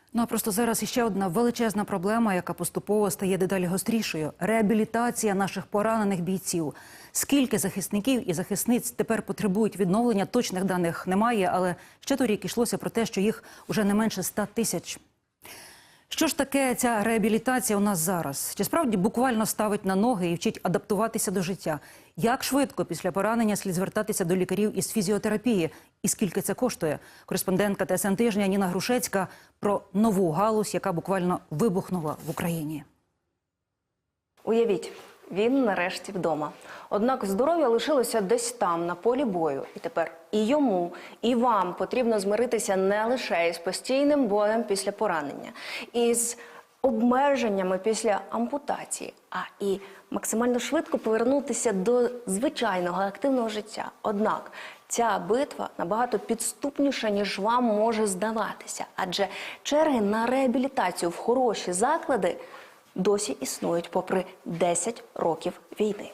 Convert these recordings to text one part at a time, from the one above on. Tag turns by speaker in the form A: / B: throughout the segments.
A: Ну а просто зараз іще одна величезна проблема, яка поступово стає дедалі гострішою – реабілітація наших поранених бійців. Скільки захисників і захисниць тепер потребують відновлення, точних даних немає, але ще торік йшлося про те, що їх уже не менше 100 тисяч. Що ж таке ця реабілітація у нас зараз? Чи справді буквально ставить на ноги і вчить адаптуватися до життя? Як швидко після поранення слід звертатися до лікарів із фізіотерапії? І скільки це коштує? Кореспондентка ТСН Тижня Ніна Грушецька про нову галузь, яка буквально вибухнула в Україні.
B: Уявіть, він нарешті вдома. Однак здоров'я лишилося десь там, на полі бою. І тепер і йому, і вам потрібно змиритися не лише із постійним болем після поранення, із обмеженнями після ампутації, а і максимально швидко повернутися до звичайного активного життя. Однак ця битва набагато підступніша, ніж вам може здаватися. Адже черги на реабілітацію в хороші заклади досі існують попри 10 років війни.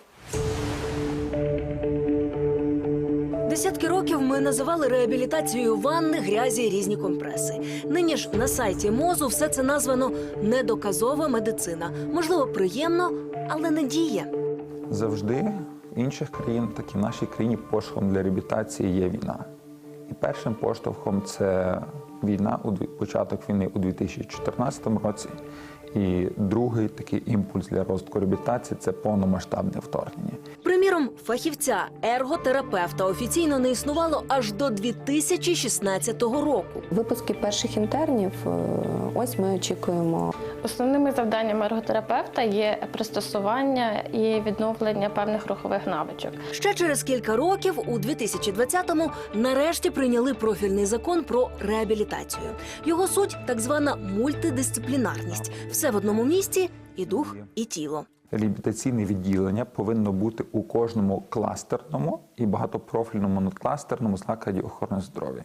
C: Десятки років ми називали реабілітацією ванни, грязі, різні компреси. Нині ж на сайті МОЗу все це названо «недоказова медицина». Можливо, приємно, але не діє.
D: Завжди в інших країнах, так і в нашій країні, поштовхом для реабілітації є війна. І першим поштовхом це війна, початок війни у 2014 році. І другий такий імпульс для розвитку реабілітації – це повномасштабне вторгнення.
C: Приміром, фахівця, ерготерапевта офіційно не існувало аж до 2016 року.
E: Випуски перших інтернів ось ми очікуємо.
F: Основними завданнями ерготерапевта є пристосування і відновлення певних рухових навичок.
C: Ще через кілька років, у 2020-му, нарешті прийняли профільний закон про реабілітацію. Його суть – так звана мультидисциплінарність. Все в одному місці – і дух, і тіло.
D: Реабілітаційне відділення повинно бути у кожному кластерному і багатопрофільному надкластерному закладі охорони здоров'я.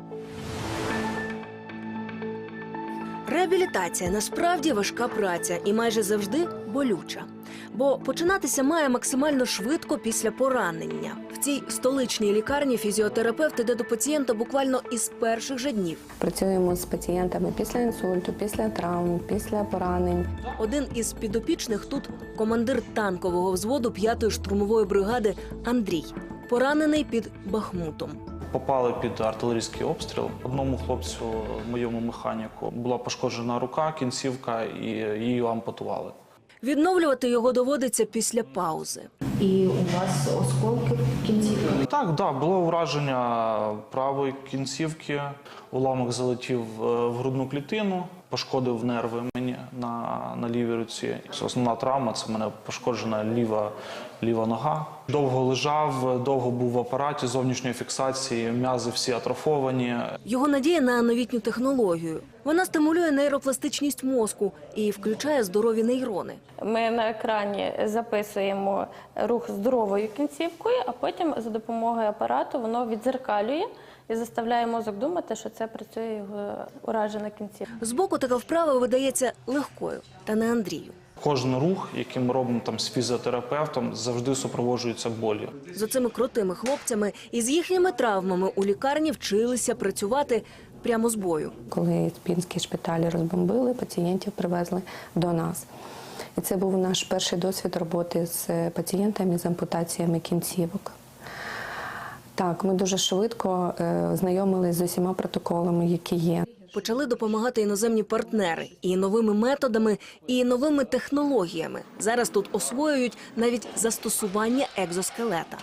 C: Реабілітація насправді важка праця і майже завжди болюча. Бо починатися має максимально швидко після поранення. В цій столичній лікарні фізіотерапевт іде до пацієнта буквально із перших же днів.
E: Працюємо з пацієнтами після інсульту, після травм, після поранень.
C: Один із підопічних тут – командир танкового взводу 5-ї штурмової бригади Андрій. Поранений під Бахмутом.
G: Попали під артилерійський обстріл. Одному хлопцю, моєму механіку, була пошкоджена рука, кінцівка, і її ампутували.
C: Відновлювати його доводиться після паузи.
E: І у вас осколки в кінцівках?
G: Так, було ураження правої кінцівки, уламок залетів в грудну клітину, пошкодив нерви мені на лівій руці. Основна травма – це в мене пошкоджена ліва нога. Довго лежав, довго був в апараті зовнішньої фіксації, м'язи всі атрофовані.
C: Його надія на новітню технологію. Вона стимулює нейропластичність мозку і включає здорові нейрони.
F: Ми на екрані записуємо рух здоровою кінцівкою, а потім за допомогою апарату воно віддзеркалює і заставляє мозок думати, що це працює його уражена кінцівка.
C: Збоку така вправа видається легкою, та не Андрію.
G: Кожен рух, який ми робимо з фізіотерапевтом, завжди супроводжується болю.
C: З оцими крутими хлопцями і з їхніми травмами у лікарні вчилися працювати прямо з бою.
E: Коли пінські шпиталі розбомбили, пацієнтів привезли до нас. І це був наш перший досвід роботи з пацієнтами з ампутаціями кінцівок. Так, ми дуже швидко знайомилися з усіма протоколами, які є.
C: Почали допомагати іноземні партнери і новими методами, і новими технологіями. Зараз тут освоюють навіть застосування екзоскелета.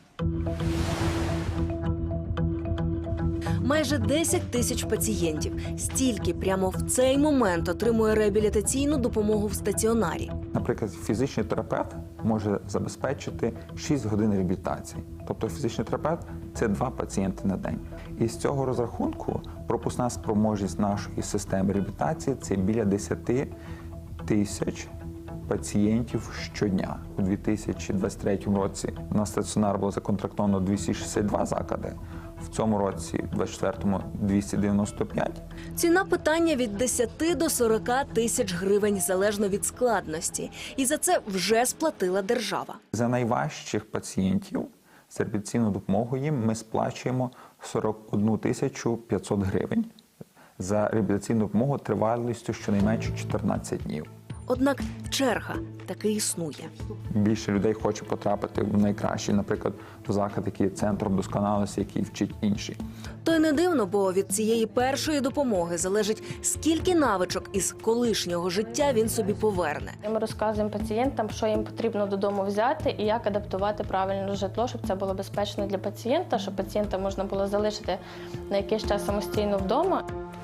C: Майже 10 тисяч пацієнтів. Стільки прямо в цей момент отримує реабілітаційну допомогу в стаціонарі.
D: Наприклад, фізичний терапевт може забезпечити 6 годин реабілітації. Тобто фізичний терапевт – це 2 пацієнти на день. І з цього розрахунку пропускна спроможність нашої системи реабілітації – це біля 10 тисяч пацієнтів щодня. У 2023 році на стаціонар було законтрактовано 262 заклади. В цьому році, у 2024-му, 295.
C: Ціна питання від 10 до 40 тисяч гривень, залежно від складності. І за це вже сплатила держава.
D: За найважчих пацієнтів з реабілітаційною допомогою їм ми сплачуємо 41 тисячу 500 гривень за реабілітаційну допомогу тривалістю щонайменше 14 днів.
C: Однак черга таки існує.
D: Більше людей хоче потрапити в найкращий, наприклад, в заклад, який є центром досконалості, який вчить інші.
C: То й не дивно, бо від цієї першої допомоги залежить, скільки навичок із колишнього життя він собі поверне.
F: Ми розказуємо пацієнтам, що їм потрібно додому взяти і як адаптувати правильно житло, щоб це було безпечно для пацієнта, щоб пацієнта можна було залишити на якийсь час самостійно вдома.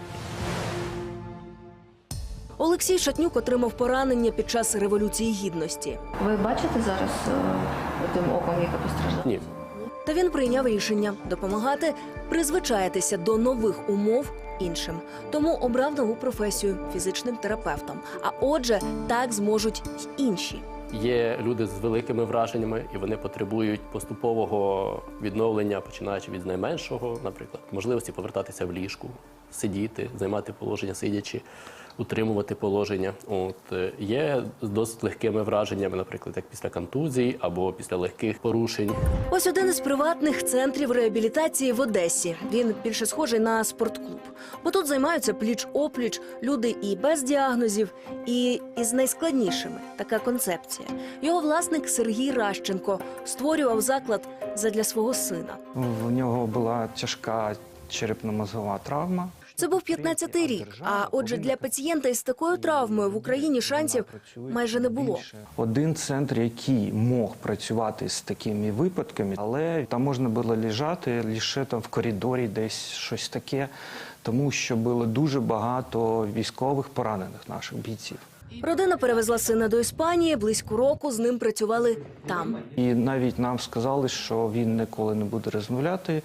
C: Олексій Шатнюк отримав поранення під час Революції Гідності.
F: Ви бачите зараз тим оком, яке постраждало?
H: Ні.
C: Та він прийняв рішення допомагати призвичаїтися до нових умов іншим. Тому обрав нову професію – фізичним терапевтом. А отже, так зможуть й інші.
H: Є люди з великими враженнями, і вони потребують поступового відновлення, починаючи від найменшого, наприклад, можливості повертатися в ліжку, сидіти, займати положення сидячи, утримувати положення. Є з досить легкими враженнями, наприклад, як після контузій або після легких порушень.
C: Ось один із приватних центрів реабілітації в Одесі. Він більше схожий на спортклуб. Бо тут займаються пліч-опліч люди і без діагнозів, і із найскладнішими. Така концепція. Його власник Сергій Ращенко створював заклад задля свого сина.
I: В нього була тяжка черепно-мозгова травма.
C: Це був 15-й рік, а отже для пацієнта із такою травмою в Україні шансів майже не було.
I: Один центр, який мог працювати з такими випадками, але там можна було лежати лише там в коридорі, десь щось таке, тому що було дуже багато військових поранених наших бійців.
C: Родина перевезла сина до Іспанії, близько року з ним працювали там.
I: І навіть нам сказали, що він ніколи не буде розмовляти,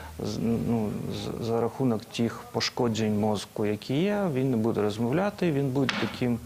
I: за рахунок тих пошкоджень мозку, які є, він не буде розмовляти, він буде таким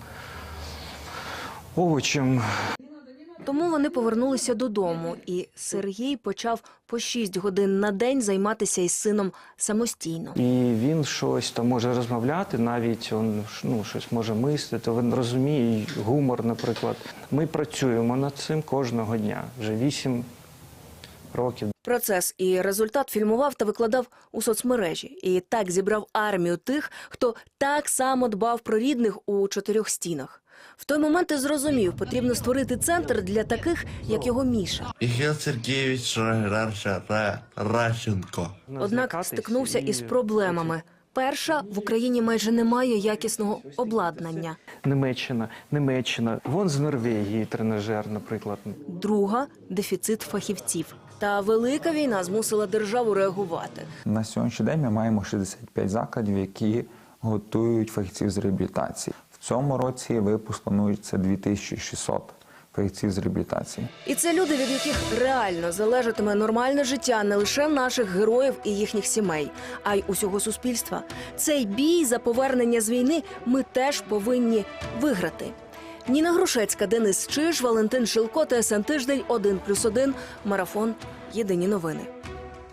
I: овочем.
C: Тому вони повернулися додому, і Сергій почав по 6 годин на день займатися із сином самостійно.
I: І він щось там може розмовляти, навіть він щось може мислити, він розуміє гумор, наприклад. Ми працюємо над цим кожного дня, вже 8 років.
C: Процес і результат фільмував та викладав у соцмережі. І так зібрав армію тих, хто так само дбав про рідних у 4 стінах. В той момент і зрозумів, потрібно створити центр для таких, як його Міша.
J: Михаил Сергеевич Ращенко.
C: Однак стикнувся із проблемами. Перша, в Україні майже немає якісного обладнання.
I: Німеччина. Вон з Норвегії тренажер, наприклад.
C: Друга – дефіцит фахівців. Та велика війна змусила державу реагувати.
D: На сьогоднішній день ми маємо 65 закладів, які готують фахівців з реабілітації. В цьому році випуск планується 2600 фахівців з реабілітації.
C: І це люди, від яких реально залежатиме нормальне життя не лише наших героїв і їхніх сімей, а й усього суспільства. Цей бій за повернення з війни ми теж повинні виграти. Ніна Грушецька, Денис Чиж, Валентин Шилко, ТСН Тиждень, 1+1, Марафон. Єдині новини.